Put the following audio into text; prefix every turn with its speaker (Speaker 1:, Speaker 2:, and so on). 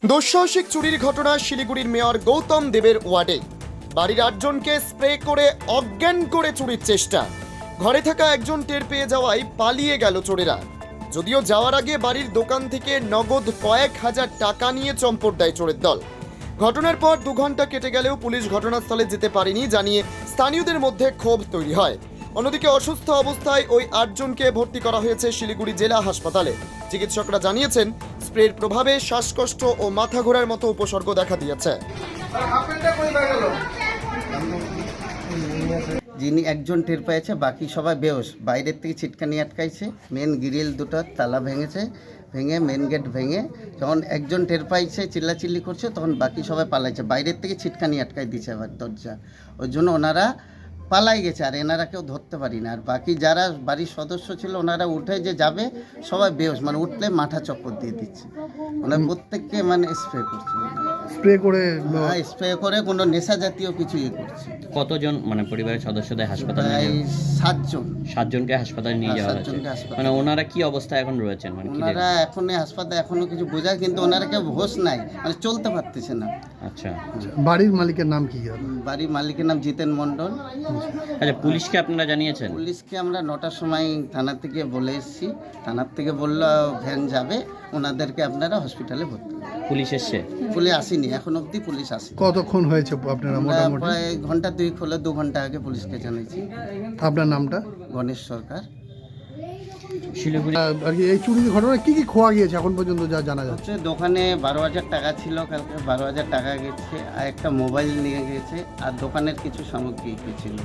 Speaker 1: দুঃসাহসিক চুরির ঘটনা শিলিগুড়ির মেয়র গৌতম দেবের ওয়ার্ডে। বাড়ির 8 জনকে স্প্রে করে অজ্ঞান করে চুরির চেষ্টা। ঘরে থাকা একজন টের পেয়ে যাওয়ায় পালিয়ে গেল চোরেরা। যদিও যাওয়ার আগে বাড়ির দোকান থেকে নগদ কয়েক হাজার টাকা নিয়ে চম্পট দেয় চোরের দল। ঘটনার পর 2 ঘন্টা কেটে গেলেও পুলিশ ঘটনাস্থলে যেতে পারেনি জানিয়ে স্থানীয়দের মধ্যে ক্ষোভ তৈরি হয়। অন্যদিকে অসুস্থ অবস্থায় ওই 8 জনকে ভর্তি করা হয়েছে শিলিগুড়ি জেলা হাসপাতালে। চিকিৎসকরা জানিয়েছেন স্প্রের প্রভাবে শ্বাসকষ্ট ও মাথা ঘোরার মতো উপসর্গ দেখা দিয়েছে।
Speaker 2: যিনি একজন টের পেয়েছে, বাকি সবাই বেহোশ। বাইরের থেকে ছিটকানি আটকাইছে, মেন গ্রিল দুটো তালা ভেঙে মেন গেট ভেঙে যখন একজন টের পাইছে চিল্লাচিল্লি করছে, তখন বাকি সবাই পালাইছে। বাইরের থেকে ছিটকানি আটকাই দিয়েছে আবার দরজা, ওই জন্য ওনারা পালাই গেছে। আর এনারা কেউ ধরতে পারি না। আর বাকি যারা বাড়ির সদস্য ছিল ওনারা উঠে যে যাবে, সবাই বেহোশ, মানে উঠলে মাথা চক্কর দিয়ে দিচ্ছে। ওনারা প্রত্যেককে মানে স্প্রে করে কোনো নেশা জাতীয় কিছু করছে।
Speaker 3: কতজন মানে পরিবারের সদস্যদের হাসপাতালে
Speaker 2: প্রায় 7 জনকে
Speaker 3: হাসপাতালে নিয়ে যাওয়া হয়েছে। মানে ওনারা কি অবস্থায় এখন রয়েছেন? মানে
Speaker 2: ওনারা এখনই হাসপাতালে, এখনো কিছু বোঝায়, কিন্তু ওনারা কেউ হোশ নাই, মানে চলতে পারতেছে না।
Speaker 3: আচ্ছা,
Speaker 4: বাড়ির মালিকের নাম কি?
Speaker 2: বাড়ির মালিকের নাম জিতেন মণ্ডল।
Speaker 3: আচ্ছা, পুলিশকে আপনারা জানিয়েছেন?
Speaker 2: পুলিশকে আমরা 9টার সময় থানা থেকে বলে এসেছি। থানার থেকে বললো ভ্যান যাবে, ওনাদেরকে আপনারা হসপিটালে ভর্তি করুন।
Speaker 3: পুলিশ এসছে?
Speaker 2: পুলিশ আসেনি, এখন অবধি পুলিশ আসেনি।
Speaker 4: কতক্ষণ হয়েছে আপনারা? মোটামুটি
Speaker 2: প্রায় ঘন্টা 2 হলো, 2 ঘন্টা আগে পুলিশকে জানিয়েছি।
Speaker 4: আপনার নামটা?
Speaker 2: গণেশ সরকার।
Speaker 3: শিলিগুড়ি
Speaker 4: আর কি এই চুরির ঘটনা কি কি খোয়া গিয়েছে এখন পর্যন্ত যা জানা যাচ্ছে?
Speaker 2: দোকানে 12,000 টাকা ছিল, কালকে 12,000 টাকা গেছে, আর একটা মোবাইল নিয়ে গেছে, আর দোকানের কিছু সামগ্রী ছিল।